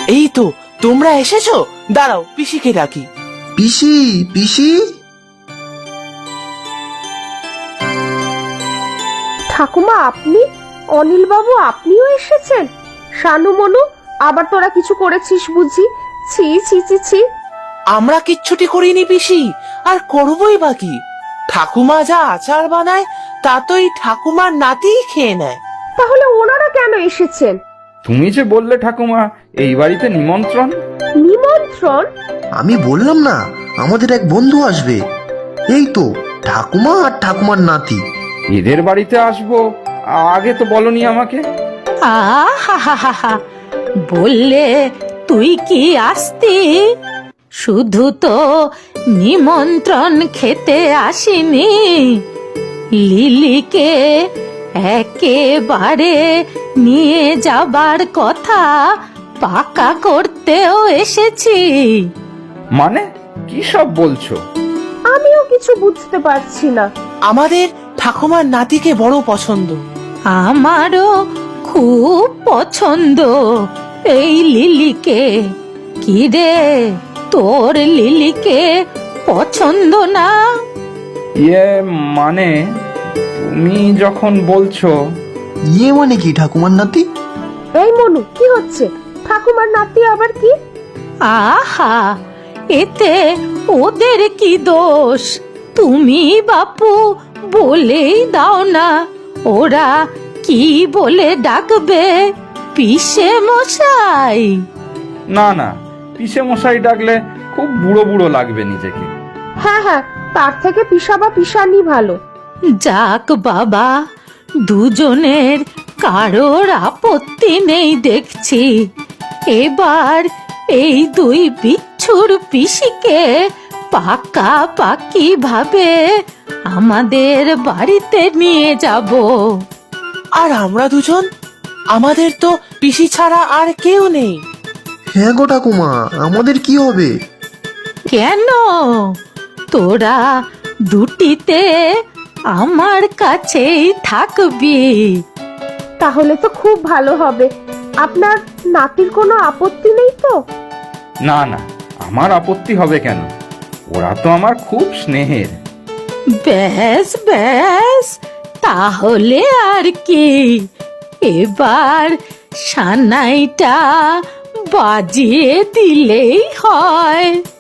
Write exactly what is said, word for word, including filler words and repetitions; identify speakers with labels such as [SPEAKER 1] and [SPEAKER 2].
[SPEAKER 1] এই তো তোমরা এসেছো, দাঁড়াও পিসিকে ডাকি।
[SPEAKER 2] পিসি পিসি
[SPEAKER 3] ঠাকুমা আপনি? অনিল বাবু আপনিও এসেছেন? শানু মনু, আবার তোরা কিছু করেছিস বুঝি? ছি ছি ছি ছি।
[SPEAKER 1] আমরা কিচ্ছুটি করিনি পিসি, আর করবই বাকি। ঠাকুমা যা আচার বানায় তা তো এই ঠাকুমার নাতিই খেয়ে নেয়।
[SPEAKER 3] তাহলে ওনারা কেন এসেছেন?
[SPEAKER 4] তুমি যে বললে ঠাকুমা এই বাড়িতে নিমন্ত্রণ।
[SPEAKER 3] নিমন্ত্রণ?
[SPEAKER 2] আমি বললাম না আমাদের এক বন্ধু আসবে, এই তো ঠাকুমা আর ঠাকুমার নাতি।
[SPEAKER 4] এদের বাড়িতে আসবো, আগে তো বলনি আমাকে।
[SPEAKER 5] আহা, বললে তুই কি আসতি? শুধু তো নিমন্ত্রণ খেতে আসিনি, লিলিকে একেবারে নিয়ে যাবার কথা পাকা করতেও এসেছি।
[SPEAKER 4] মানে কি সব বলছো?
[SPEAKER 3] আমিও কিছু বুঝতে পারছি না।
[SPEAKER 1] আমাদের ঠাকুমার নাতিকে বড় পছন্দ।
[SPEAKER 5] আমারও খুব পছন্দ এই লিলিকে। কি রে, তোর লিলিকে পছন্দ না?
[SPEAKER 4] ইয়ে মানে তুমি যখন বলছো।
[SPEAKER 2] ইয়ে মানে কি ঠাকুমার নাতি?
[SPEAKER 3] এই মনু, কি হচ্ছে? ঠাকুমার নাতি আবার কি?
[SPEAKER 5] আহা, এতে ওদের কি দোষ? তুমি বাপু বলেই দাও না, ওরা কি বলে ডাকবে? পিসে মশাই?
[SPEAKER 4] না না, পিসে মশাই ডাকলে খুব বুড়ো বুড়ো লাগবে নিজেকে।
[SPEAKER 3] হ্যাঁ হ্যাঁ, তার থেকে পিসা বা পিসানি ভালো।
[SPEAKER 5] যাক বাবা, দুজনের কারোর আপত্তি নেই দেখছি। এবার এই দুই বিচ্ছুর পিসিকে পাকা পাকি ভাবে আমাদের বাড়িতে নিয়ে যাব।
[SPEAKER 1] আর আমরা দুজন, আমাদের তো পিসি ছাড়া আর কেউ নেই।
[SPEAKER 2] হ্যাঁ গো ঠাকুমা, আমাদের কি হবে?
[SPEAKER 5] কেন? তোরা দুটিতে আমার কাছেই থাকবি।
[SPEAKER 3] তাহলে তো খুব ভালো হবে। আপনার নাতির কোনো আপত্তি নেই তো?
[SPEAKER 4] না না, আমার আপত্তি হবে কেন? ওরা তো আমার খুব স্নেহের।
[SPEAKER 5] ব্যাস ব্যাস, তাহলে আর কি, এবার সানাইটা বাজিয়ে দিলেই হয়।